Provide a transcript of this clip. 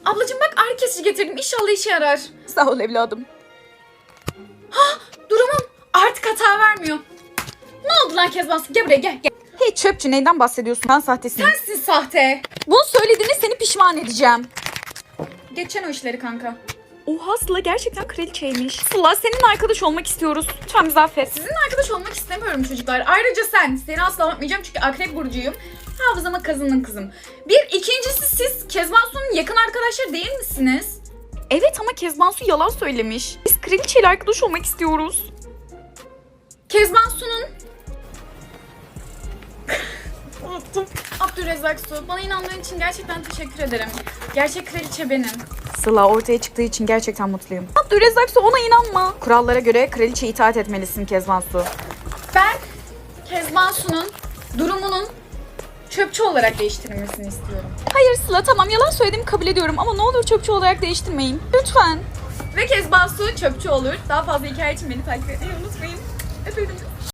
Ablacığım bak ağrı kesici getirdim. İnşallah işe yarar. Sağ ol evladım. Durumum artık hata vermiyor. Ne oldu lan Kezban? Gel buraya gel. Hey çöpçü, neyden bahsediyorsun? Ben sahtesiyim. Sensin sahte. Bunu söylediğinde seni pişman edeceğim. Geçen o işleri kanka. Oha, Sıla gerçekten kraliçeymiş. Sıla, seninle arkadaş olmak istiyoruz. Lütfen bizi affet. Sizinle arkadaş olmak istemiyorum çocuklar. Ayrıca seni asla unutmayacağım çünkü akrep burcuyum. Hafızama kazının kızım. İkincisi siz Kezban Su'nun yakın arkadaşları değil misiniz? Evet ama Kezban Su yalan söylemiş. Biz kraliçeyle arkadaş olmak istiyoruz. Kezban Su'nun... Unuttum. Abdülrezzak Su, bana inandığın için gerçekten teşekkür ederim. Gerçek kraliçe benim. Sıla, ortaya çıktığı için gerçekten mutluyum. Abdülrezzak Su, ona inanma. Kurallara göre kraliçeye itaat etmelisin Kezban Su. Ben Kezban Su'nun durumunun çöpçü olarak değiştirilmesini istiyorum. Hayır Sıla, tamam yalan söylediğimi kabul ediyorum ama ne olur çöpçü olarak değiştirmeyin. Lütfen. Ve Kezban Su çöpçü olur. Daha fazla hikaye için beni takip etmeyi unutmayın. Öpüldüm.